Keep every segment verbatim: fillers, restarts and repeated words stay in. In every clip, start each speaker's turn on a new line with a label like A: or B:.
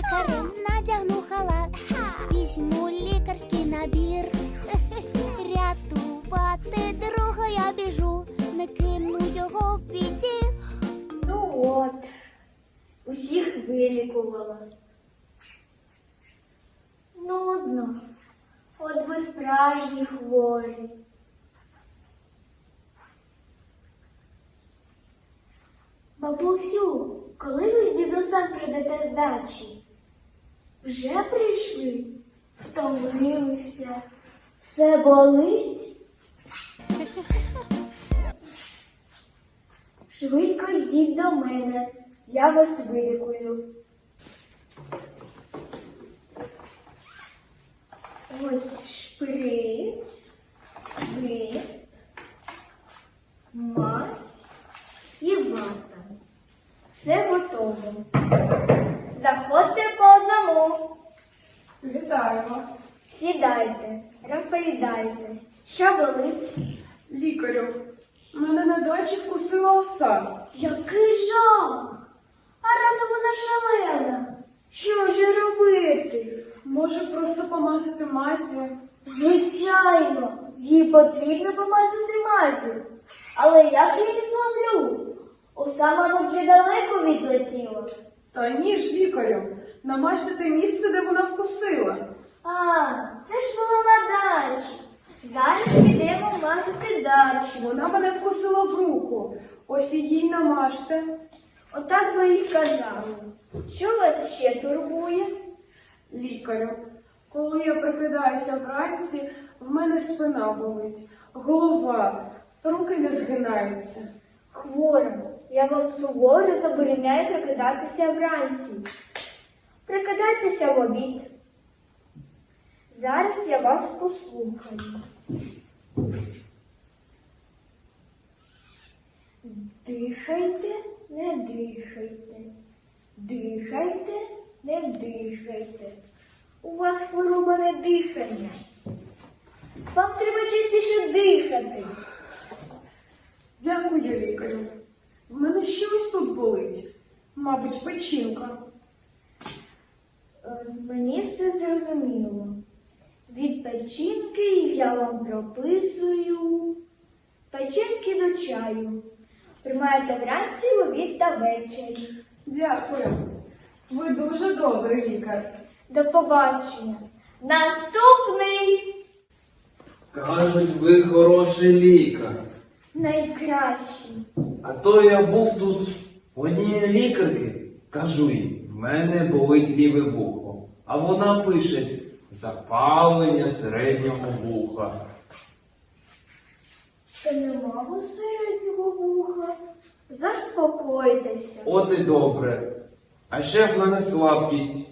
A: лікарем, надягну халат, візьму лікарський набір. Рятувати друга я біжу, не кину його в біді.
B: Ну от, усіх вилікувала. Нудно, от ви справжні хворі. Бабусю, коли ви з дідусем прийдете з дачі? Вже прийшли? Втомилися? Все болить? Швидко йдіть до мене, я вас вилікую. Ось шприц, бинт, мазь і вата. Все готово. Заходьте по одному.
C: Вітаю вас.
B: Сідайте, розповідайте, що болить.
C: Лікарю, мене на дачі вкусила оса.
B: Який жах! А рада вона шалена. Що ж робити?
C: Може просто помазати мазю?
B: Звичайно, їй потрібно помазати мазю. Але як я її зловлю? Оса, мабуть, вже далеко відлетіла.
C: Та ні ж, лікарю, намажте те місце, де вона вкусила.
B: А, це ж було на дачі. Зараз підемо мазати дачу.
C: Вона мене вкусила в руку. Ось і їй намажте.
B: Отак ви і казали. Що вас ще турбує?
C: Лікарю, коли я прокидаюся вранці, в мене спина болить, голова, руки не згинаються.
B: Хвора, я вам суворо забороняю прокидатися вранці. Прокидайтеся в обід. Зараз я вас послухаю. Дихайте, не дихайте. Дихайте, не дихайте. У вас хвороба не дихання. Вам треба частіше дихати.
C: Дякую, лікарю. В мене щось тут болить. Мабуть, печінка.
B: Е, Мені все зрозуміло. Від печінки я вам прописую печінки до чаю. Приймаєте вранці, в обід та ввечері.
C: Дякую. Ви дуже добрий лікар.
B: До побачення. Наступний
D: Кажуть, ви хороший лікар.
B: найкращий.
D: А то я був тут у однієї лікарки. Кажу їй, в мене болить ліве вухо. А вона пише запалення середнього вуха.
B: Та нема у середнього вуха. Заспокойтеся.
D: От і добре. А ще в мене слабкість.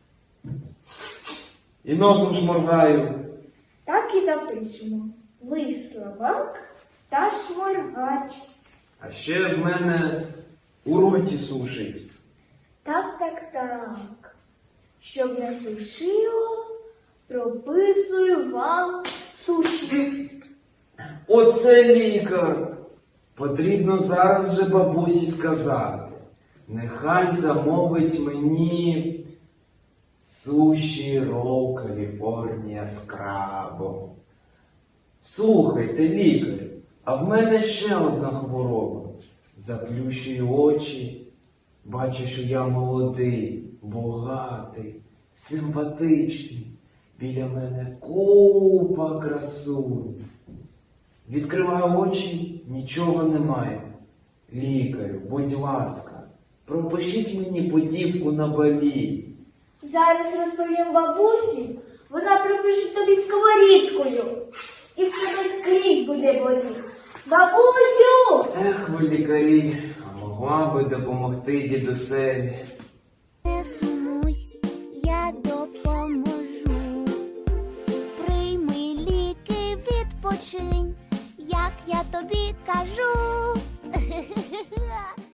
D: І носом шморгаю.
B: Так і запишемо. Ви слабак та шморгач.
D: А ще в мене у роті сушить.
B: Так, так, так. Щоб не сушило, прописую вам суші.
D: Оце лікар. Потрібно зараз же бабусі сказати. Нехай замовить мені суші рол Каліфорнія з крабом. Слухайте, лікар, а в мене ще одна хвороба. Заплющую очі, бачу, що я молодий, багатий, симпатичний. Біля мене купа красунь. Відкриваю очі, нічого немає. Лікарю, будь ласка, пропишіть мені путівку на Балі.
B: Зараз розповім бабусі, вона припише тобі сковорідкою. І в тебе скрізь буде боліти. Бабусю!
D: Ех, ви лікарі, а могла би допомогти дідусеві.
A: Не сумуй, я допоможу. Прийми ліки, відпочинь, як я тобі кажу.